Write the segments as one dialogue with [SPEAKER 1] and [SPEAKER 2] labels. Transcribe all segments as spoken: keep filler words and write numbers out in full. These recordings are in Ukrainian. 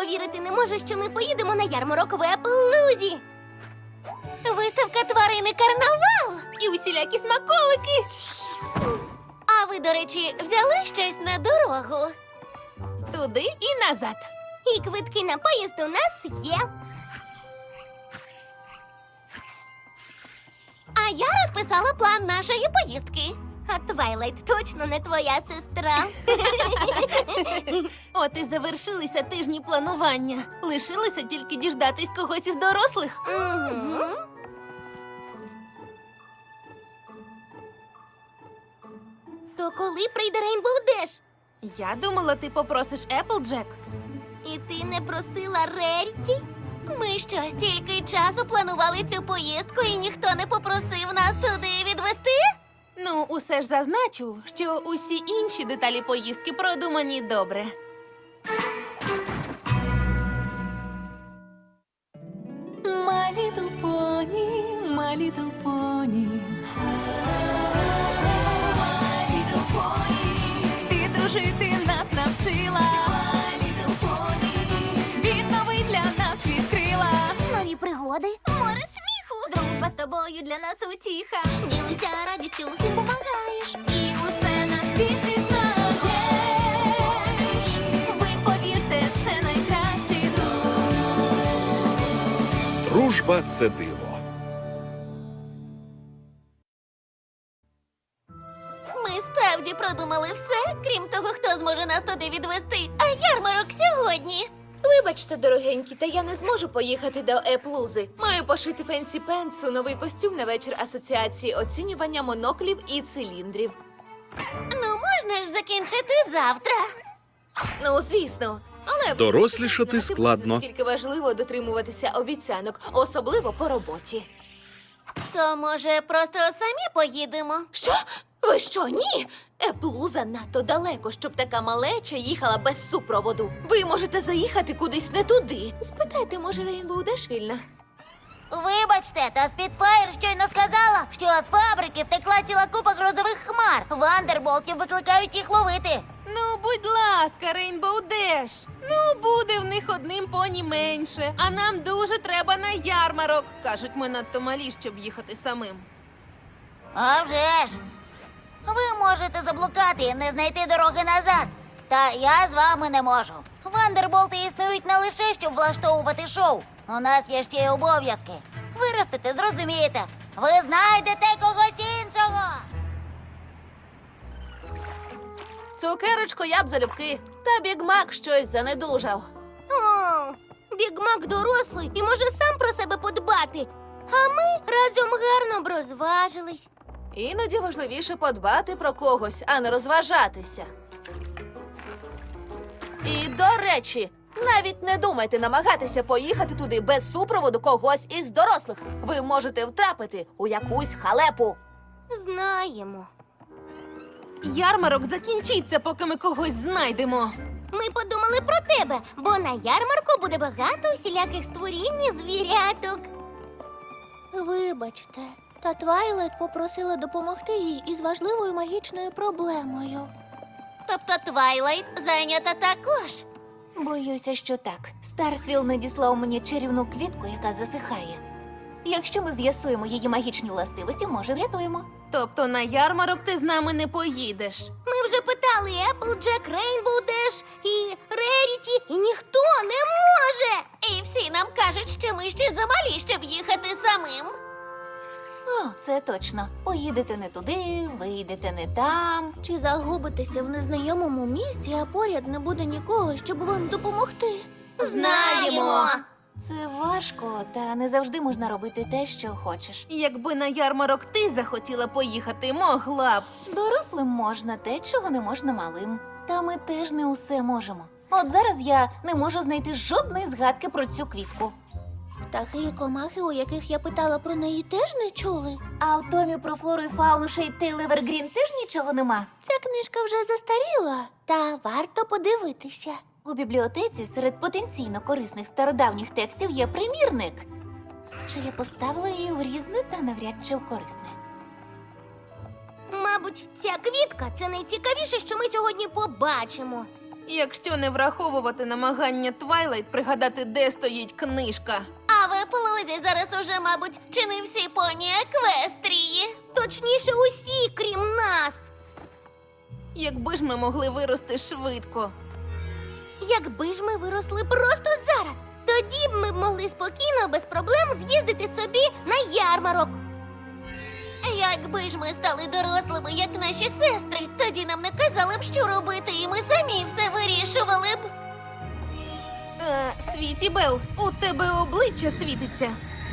[SPEAKER 1] Повірити не можу, що ми поїдемо на ярмарок в Еплузі. Виставка тварини карнавал і усілякі смаколики. А ви, до речі, взяли щось на дорогу?
[SPEAKER 2] Туди і назад.
[SPEAKER 1] І квитки на поїзд у нас є. А я розписала план нашої поїздки. А Твайлайт точно не твоя сестра.
[SPEAKER 2] От і завершилися тижні планування. Лишилося тільки діждатись когось із дорослих.
[SPEAKER 1] Угу. То коли прийде Рейнбоу Деш?
[SPEAKER 2] Я думала, ти попросиш Еплджек.
[SPEAKER 1] І ти не просила Реріті? Ми що, стільки часу планували цю поїздку, і ніхто не попросив нас туди відвести?
[SPEAKER 2] Ну, усе ж зазначу, що усі інші деталі поїздки продумані добре.
[SPEAKER 3] My little pony, my little pony. My little pony. Ти дружити нас навчила. My little pony. Світ новий для нас відкрила.
[SPEAKER 1] Нові пригоди, море сміху, дружба з тобою для нас утіха. Ділися радістю, всім помагаєш.
[SPEAKER 3] І усе на світі знаєш. Ви повірте, це найкращий друг.
[SPEAKER 4] Дружба – це диво.
[SPEAKER 1] Ми справді продумали все, крім того, хто зможе нас туди відвести. А ярмарок сьогодні.
[SPEAKER 2] Вибачте, дорогенькі, та я не зможу поїхати до Еплузи. Маю пошити Фенсі Пенсу новий костюм на вечір асоціації оцінювання моноклів і циліндрів.
[SPEAKER 1] Ну, можна ж закінчити завтра.
[SPEAKER 2] Ну, звісно. Але
[SPEAKER 4] Дорослішати
[SPEAKER 2] знати,
[SPEAKER 4] складно.
[SPEAKER 2] наскільки важливо дотримуватися обіцянок, особливо по роботі.
[SPEAKER 1] То, може, просто самі поїдемо?
[SPEAKER 2] Що? Ви що, ні? Еплуза надто далеко, щоб така малеча їхала без супроводу. Ви можете заїхати кудись не туди. Спитайте, може, Рейнбоу Деш вільна?
[SPEAKER 1] Вибачте, та Спітфайр щойно сказала, що з фабрики втекла ціла купа грозових хмар. Вандерболтів викликають їх ловити.
[SPEAKER 2] Ну, будь ласка, Рейнбоу Деш. Ну, буде в них одним поні менше. А нам дуже треба на ярмарок. Кажуть, ми надто малі, щоб їхати самим.
[SPEAKER 1] А вже ж! Ви можете заблукати і не знайти дороги назад. Та я з вами не можу. Вандерболти існують не лише, щоб влаштовувати шоу. У нас є ще й обов'язки. Виростете, зрозумієте. Ви знайдете когось іншого.
[SPEAKER 5] Цукерочку я б залюбки, та Бігмак щось занедужав.
[SPEAKER 1] О, Бігмак дорослий і може сам про себе подбати. А ми разом гарно б розважились.
[SPEAKER 5] Іноді важливіше подбати про когось, а не розважатися. І, до речі, навіть не думайте намагатися поїхати туди без супроводу когось із дорослих. Ви можете втрапити у якусь халепу.
[SPEAKER 1] Знаємо.
[SPEAKER 2] Ярмарок закінчиться, поки ми когось знайдемо.
[SPEAKER 1] Ми подумали про тебе, бо на ярмарку буде багато всіляких створінь і звіряток. Вибачте, та Твайлайт попросила допомогти їй із важливою магічною проблемою. Тобто Твайлайт зайнята також?
[SPEAKER 6] Боюся, що так. Старсвіл надіслав мені чарівну квітку, яка засихає. Якщо ми з'ясуємо її магічні властивості, може, врятуємо.
[SPEAKER 2] Тобто на ярмарок ти з нами не поїдеш.
[SPEAKER 1] Ми вже питали Еплджек, Рейнбоу Деш і Реріті, і ніхто не може. І всі нам кажуть, що ми ще замалі, щоб їхати самим.
[SPEAKER 6] О, це точно. Поїдете не туди, вийдете не там.
[SPEAKER 1] Чи загубитеся в незнайомому місці, а поряд не буде нікого, щоб вам допомогти?
[SPEAKER 2] Знаємо.
[SPEAKER 6] Це важко, та не завжди можна робити те, що хочеш.
[SPEAKER 2] Якби на ярмарок ти захотіла поїхати, могла б.
[SPEAKER 6] Дорослим можна те, чого не можна малим. Та ми теж не усе можемо. От зараз я не можу знайти жодної згадки про цю квітку.
[SPEAKER 1] Птахи і комахи, у яких я питала про неї, теж не чули.
[SPEAKER 6] А в томі про флору і фауну Шейтейл Евергрін теж нічого нема.
[SPEAKER 1] Ця книжка вже застаріла, та варто подивитися.
[SPEAKER 6] У бібліотеці серед потенційно корисних стародавніх текстів є примірник. Чи я поставила її в різне та навряд чи в корисне.
[SPEAKER 1] Мабуть, ця квітка – це найцікавіше, що ми сьогодні побачимо.
[SPEAKER 2] Якщо не враховувати намагання Твайлайт пригадати, де стоїть книжка.
[SPEAKER 1] А в Еплузі зараз уже, мабуть, чи не всі поні Еквестрії? Точніше, усі, крім нас.
[SPEAKER 2] Якби ж ми могли вирости швидко.
[SPEAKER 1] Якби ж ми виросли просто зараз, тоді б ми б могли спокійно, без проблем з'їздити собі на ярмарок. Якби ж ми стали дорослими, як наші сестри, тоді нам не казали б, що робити, і ми самі все вирішували б.
[SPEAKER 2] Е, Світі Бел, у тебе обличчя світиться.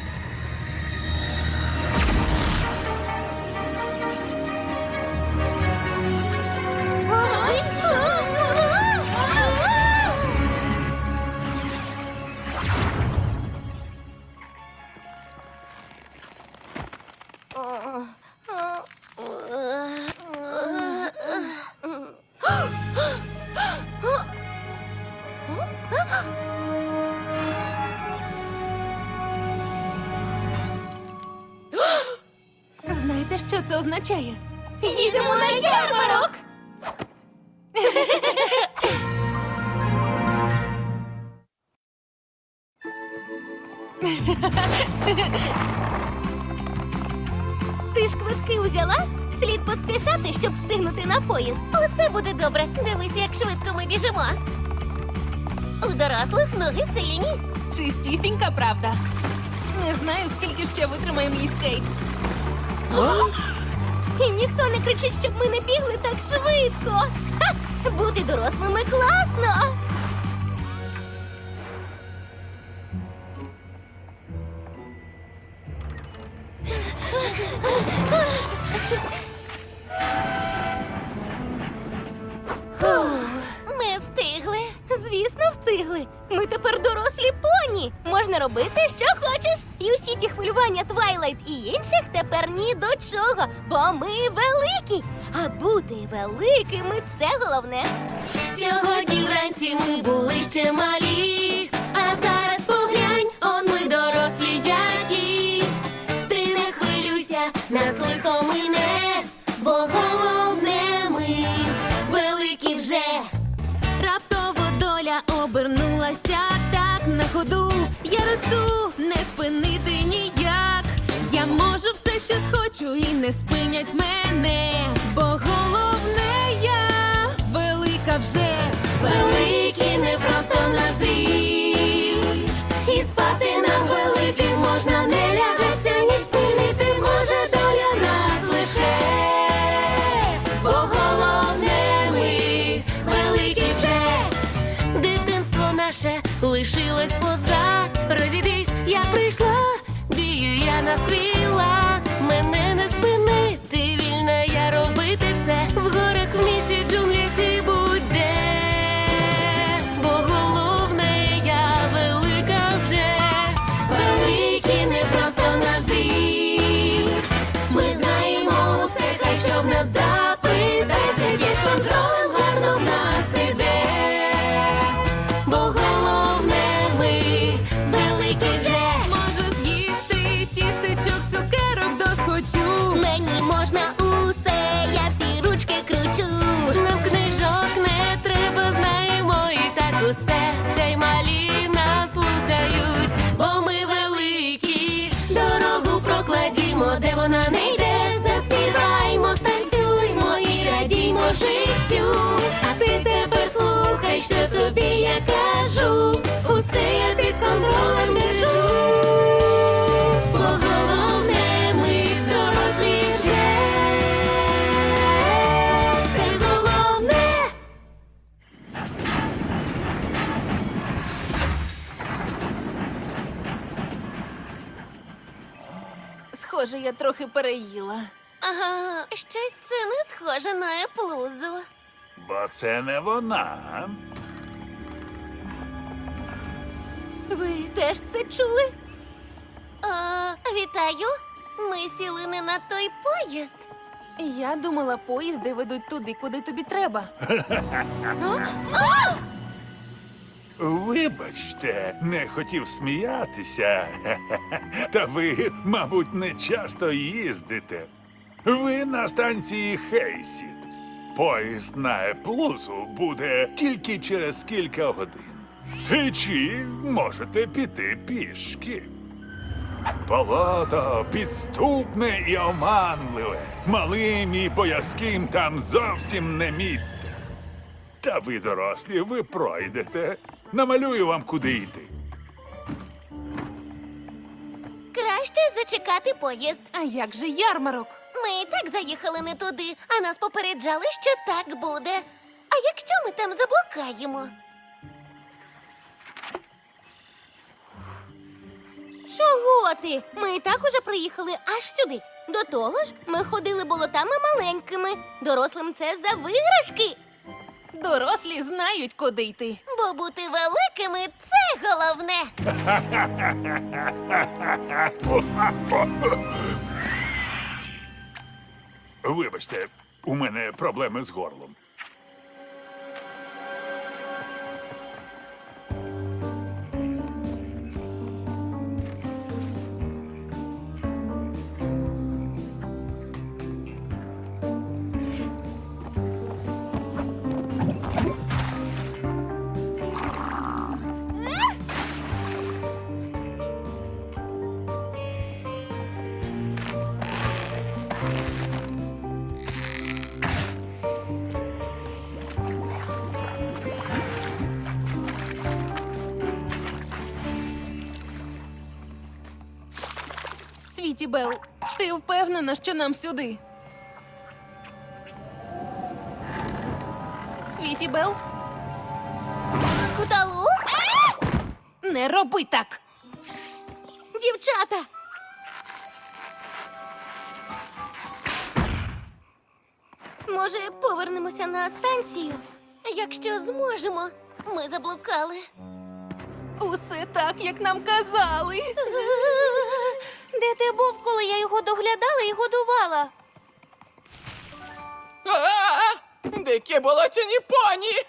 [SPEAKER 2] Знаєте, що це означає? Їдемо на ярмарок!
[SPEAKER 1] Ти ж квитки узяла? Слід поспішати, щоб встигнути на поїзд. Усе буде добре. Дивись, як швидко ми біжимо. У дорослих ноги сильні.
[SPEAKER 2] Чистісінька правда. Не знаю, скільки ще витримає мій скейт.
[SPEAKER 1] І ніхто не кричить, щоб ми не бігли так швидко. Ха! Бути дорослими класно. Ми встигли.
[SPEAKER 6] Звісно, встигли. Ми тепер дорослі поні. Можна робити, що хочеш. І усі ті хвилювання Твайлайт і інших тепер ні до чого, бо ми великі. А бути великими це головне.
[SPEAKER 3] Сьогодні вранці ми були ще малі, а зараз поглянь, он ми дорослі які. Ти не хвилюйся, нас лихо мине, бо головне ми великі вже. Раптово доля обернулася так на ходу. Я росту, не спинити ніяк. Я можу все, що схочу, і не спинять мене, бо головне я велика вже. Великі не просто наш зріст, і спати нам великим можна, не лягайся, ніж спинити може доля нас лише. Бо головне ми великі вже. Дитинство наше лишилось позад. Розійдись, я прийшла, дію я на свій лад. Мене не спинити, вільна я робити все. В горах, в місті, джунглях і будь-де. Бо головне я велика вже. Великі не просто наш зріст. Ми знаємо усе, хай що в нас запитайся. Під контролем гарно в нас іде. Бо головне ми великі вже. Можу з'їсти тістечок, цукерок досхочу.
[SPEAKER 1] Мені можна усе, я всі ручки кручу.
[SPEAKER 3] Нам книжок не треба, знаємо і так усе. Хай малі нас слухають, бо ми великі. Дорогу прокладімо, де вона не йде. Заспіваймо, станцюймо і радіймо життю. А ти тепер слухай, що тобі я кажу. Усе я під контролем держу. Бо головне ми дорослі вже. Це головне.
[SPEAKER 2] Схоже, я трохи переїла.
[SPEAKER 1] Ага, щось це не схоже на Еплузу.
[SPEAKER 4] Бо це не вона.
[SPEAKER 6] Ви теж це чули?
[SPEAKER 1] А, вітаю. Ми сіли не на той поїзд.
[SPEAKER 2] Я думала, поїзди ведуть туди, куди тобі треба.
[SPEAKER 4] Вибачте, не хотів сміятися. Та ви, мабуть, не часто їздите. Ви на станції Хейсід. Поїзд на Еплузу буде тільки через кілька годин. І чи можете піти пішки? Болото підступне і оманливе. Малим і боязким там зовсім не місце. Та ви, дорослі, ви пройдете. Намалюю вам, куди йти.
[SPEAKER 6] Краще зачекати поїзд.
[SPEAKER 2] А як же ярмарок?
[SPEAKER 6] Ми і так заїхали не туди, а нас попереджали, що так буде. А якщо ми там заблукаємо? Чого ти? Ми і так уже приїхали аж сюди. До того ж, ми ходили болотами маленькими. Дорослим це за виграшки.
[SPEAKER 2] Дорослі знають, куди йти.
[SPEAKER 6] Бо бути великими це головне.
[SPEAKER 4] Вибачте, у мене проблеми з горлом.
[SPEAKER 2] Світі Бел, ти впевнена, що нам сюди? Світі Бел,
[SPEAKER 6] Куталу?
[SPEAKER 2] не роби так!
[SPEAKER 6] Дівчата! Може, повернемося на станцію? Якщо зможемо. Ми заблукали.
[SPEAKER 2] Усе так, як нам казали.
[SPEAKER 6] Де ти був, коли я його доглядала і годувала?
[SPEAKER 7] А-а-а! Дикі болотяні поні!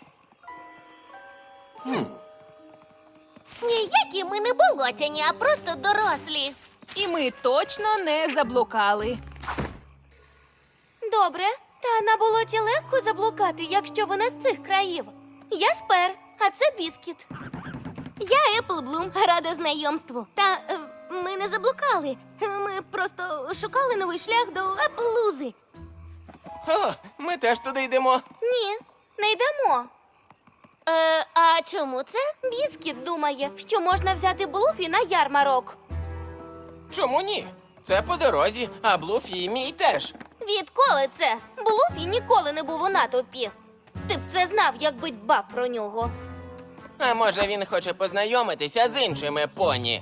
[SPEAKER 6] Ніякі ми не болотяні, а просто дорослі.
[SPEAKER 2] І ми точно не заблукали.
[SPEAKER 6] Добре, та на болоті легко заблукати, якщо вона з цих країв. Я Спер, а це Біскіт. Я Еплблум, рада знайомству. Та е, ми не заблукали. Ми просто шукали новий шлях до Еплузи.
[SPEAKER 7] О, ми теж туди йдемо.
[SPEAKER 6] Ні, не йдемо. Е, а чому це? Біскіт думає, що можна взяти Блуфі на ярмарок.
[SPEAKER 7] Чому ні? Це по дорозі, а Блуфі і мій теж.
[SPEAKER 6] Відколи це? Блуфі ніколи не був у натовпі. Ти б це знав, якби дбав про нього.
[SPEAKER 7] А може він хоче познайомитися з іншими поні?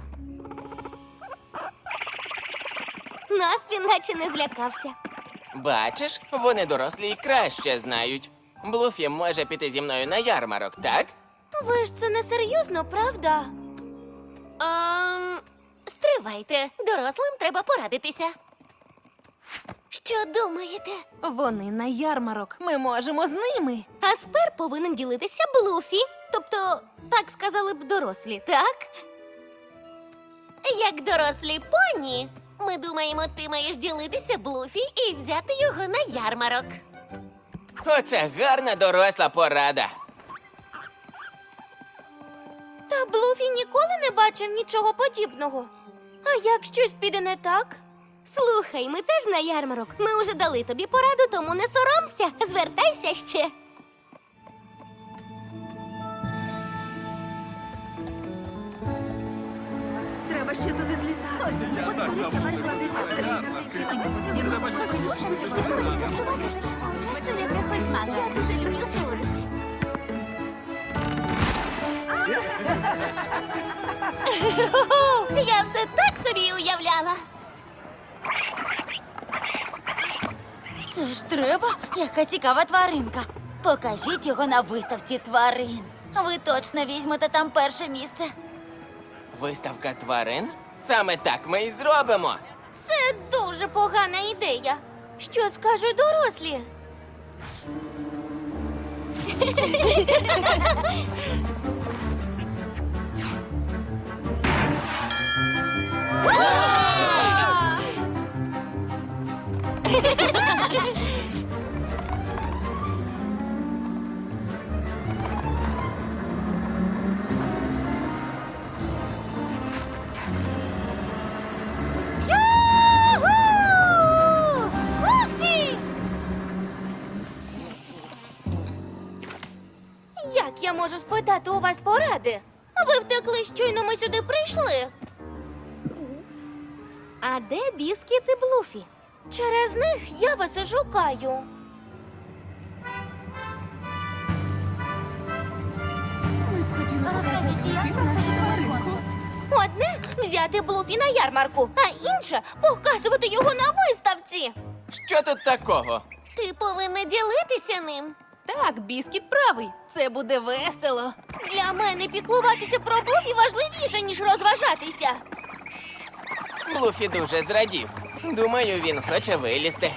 [SPEAKER 6] Нас він наче не злякався.
[SPEAKER 7] Бачиш, вони дорослі й краще знають. Блуфі може піти зі мною на ярмарок, так?
[SPEAKER 6] Ви ж це не серйозно, правда? Ем, стривайте, дорослим треба порадитися. Що думаєте?
[SPEAKER 2] Вони на ярмарок. Ми можемо з ними.
[SPEAKER 6] А Спер повинен ділитися Блуфі. Тобто, так сказали б дорослі, так? Як дорослі поні, ми думаємо, ти маєш ділитися Блуфі і взяти його на ярмарок.
[SPEAKER 7] Оце гарна доросла порада.
[SPEAKER 6] Та Блуфі ніколи не бачив нічого подібного. А як щось піде не так? Слухай, ми теж на ярмарок. Ми уже дали тобі пораду, тому не соромся. Звертайся ще.
[SPEAKER 2] Треба ще туди злітати.
[SPEAKER 6] Я дуже люблю солодощі. Я все так собі уявляла.
[SPEAKER 1] Це ж треба, яка цікава тваринка. Покажіть його на виставці тварин. Ви точно візьмете там перше місце.
[SPEAKER 7] Виставка тварин? Саме так ми і зробимо.
[SPEAKER 6] Це дуже погана ідея. Що скажуть дорослі? Як я можу спитати у вас поради? Ви втекли, щойно ми сюди прийшли. А де Біскіт і Блуфі? Через них я вас і шукаю. Одне взяти Блуфі на ярмарку, а інше показувати його на виставці.
[SPEAKER 7] Що тут такого?
[SPEAKER 6] Ти повинна ділитися ним.
[SPEAKER 2] Так, Біскіт правий. Це буде весело.
[SPEAKER 6] Для мене піклуватися про Блуфі важливіше, ніж розважатися.
[SPEAKER 7] Блуфі дуже зрадів. Думаю, він хоче вилізти.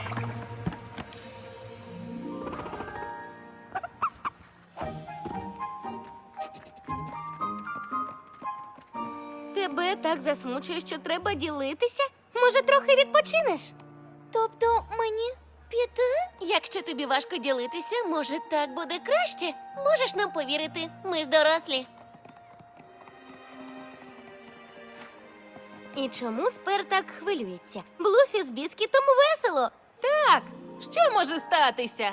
[SPEAKER 6] Тебе так засмучує, що треба ділитися? Може, трохи відпочинеш? Тобто мені піти? Якщо тобі важко ділитися, може, так буде краще? Можеш нам повірити, ми ж дорослі. І чому Спер так хвилюється? Блуфі з Біскітом весело.
[SPEAKER 2] Так, що може статися?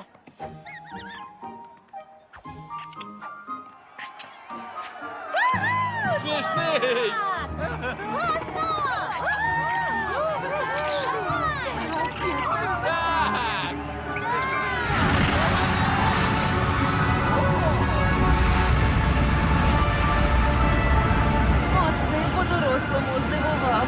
[SPEAKER 7] Смішний!
[SPEAKER 2] Оце по-дорослому здивував.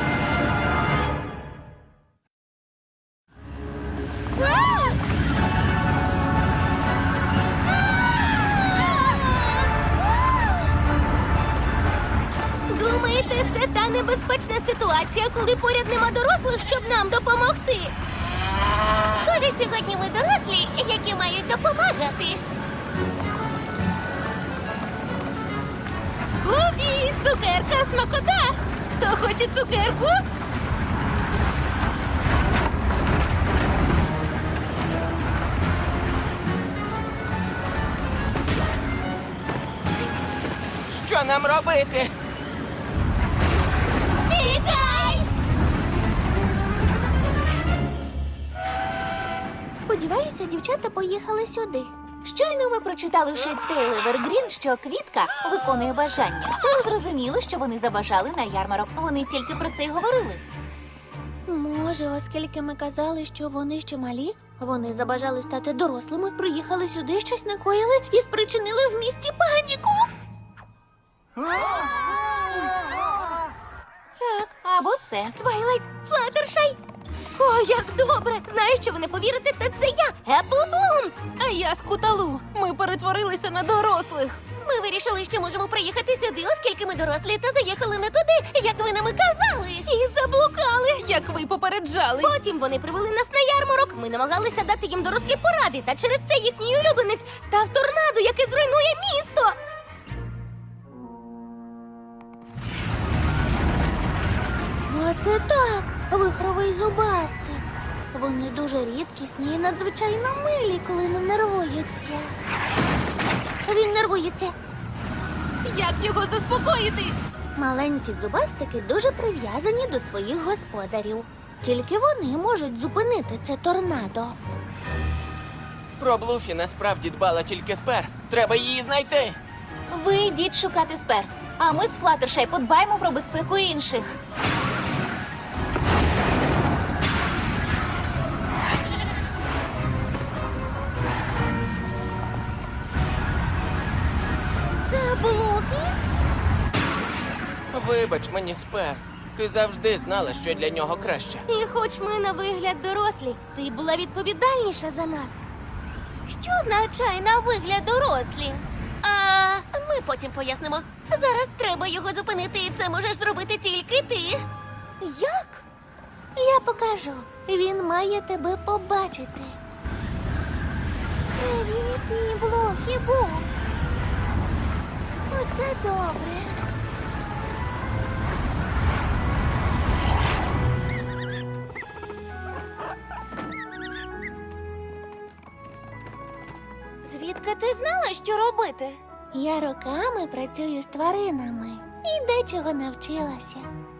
[SPEAKER 6] Думаєте, це та небезпечна ситуація, коли поряд нема дорослих, щоб нам допомогти? Схоже, сьогодні ми дорослі, які мають допомагати.
[SPEAKER 2] Блуфі, цукерка, смакота! Хто хоче цукерку?
[SPEAKER 7] Що нам робити?
[SPEAKER 6] Тікай! Сподіваюся, дівчата поїхали сюди. Щойно ми прочитали в Шейтейл Евергрін, що квітка виконує бажання. Стало зрозуміло, що вони забажали на ярмарок. Вони тільки про це й говорили. Може, оскільки ми казали, що вони ще малі, вони забажали стати дорослими, приїхали сюди, щось накоїли і спричинили в місті паніку. Так, або це. Твайлайт, Флаттершай. О, як добре! Знаєш, що ви не повірите, та це я, Еплблум!
[SPEAKER 2] А я Скуталу. Ми перетворилися на дорослих.
[SPEAKER 6] Ми вирішили, що можемо приїхати сюди, оскільки ми дорослі, та заїхали не туди, як ви нам і казали. І заблукали.
[SPEAKER 2] Як ви й попереджали.
[SPEAKER 6] Потім вони привели нас на ярмарок. Ми намагалися дати їм дорослі поради, та через це їхній улюбленець став торнадо, яке зруйнує місто. Оце так, вихровий зубастик. Вони дуже рідкісні і надзвичайно милі, коли не нервуються. Він нервується.
[SPEAKER 2] Як його заспокоїти?
[SPEAKER 6] Маленькі зубастики дуже прив'язані до своїх господарів. Тільки вони можуть зупинити це торнадо.
[SPEAKER 7] Про Блуфі насправді дбала тільки Спер. Треба її знайти.
[SPEAKER 1] Ви йдіть шукати Спер, а ми з Флаттершай подбаємо про безпеку інших.
[SPEAKER 6] Це Блуфі?
[SPEAKER 7] Вибач мені, Спер. Ти завжди знала, що для нього краще.
[SPEAKER 6] І хоч ми на вигляд дорослі, ти була відповідальніша за нас. Що означає на вигляд дорослі? А ми потім пояснимо. Зараз треба його зупинити, і це можеш зробити тільки ти. Як? Я покажу. Він має тебе побачити. Привіт, мій Блуфі Бу. Усе добре. Звідки ти знала, що робити? Я роками працюю з тваринами і дечого навчилася.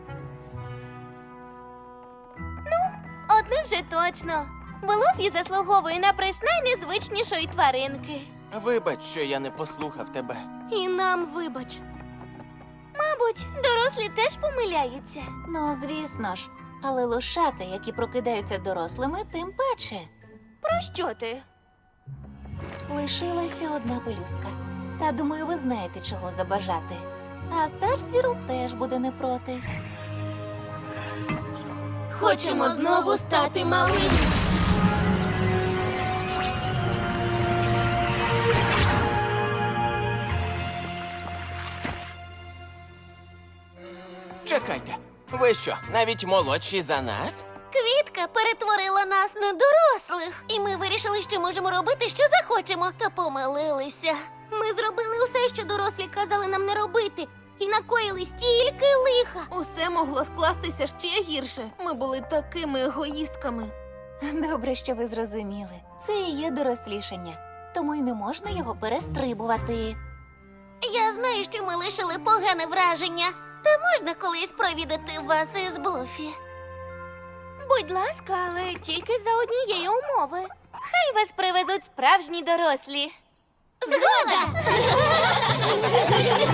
[SPEAKER 6] Ну, одне вже точно. Блуфі заслуговує на приз найнезвичнішої тваринки.
[SPEAKER 7] Вибач, що я не послухав тебе.
[SPEAKER 6] І нам вибач. Мабуть, дорослі теж помиляються.
[SPEAKER 1] Ну, звісно ж. Але лошата, які прокидаються дорослими, тим паче.
[SPEAKER 6] Про що ти?
[SPEAKER 1] Лишилася одна пелюстка. Та думаю, ви знаєте, чого забажати. А Старсвірл теж буде не проти.
[SPEAKER 6] Хочемо знову стати малими.
[SPEAKER 7] Чекайте, ви що, навіть молодші за нас?
[SPEAKER 6] Квітка перетворила нас на дорослих, і ми вирішили, що можемо робити, що захочемо, та помилилися. Ми зробили усе, що дорослі казали нам не робити, і накоїли стільки лиха.
[SPEAKER 2] Усе могло скластися ще гірше. Ми були такими егоїстками.
[SPEAKER 1] Добре, що ви зрозуміли. Це і є дорослішання. Тому й не можна його перестрибувати.
[SPEAKER 6] Я знаю, що ми лишили погане враження. Та можна колись провідати вас із Блуфі? Будь ласка, але тільки за однієї умови. Хай вас привезуть справжні дорослі. Згода!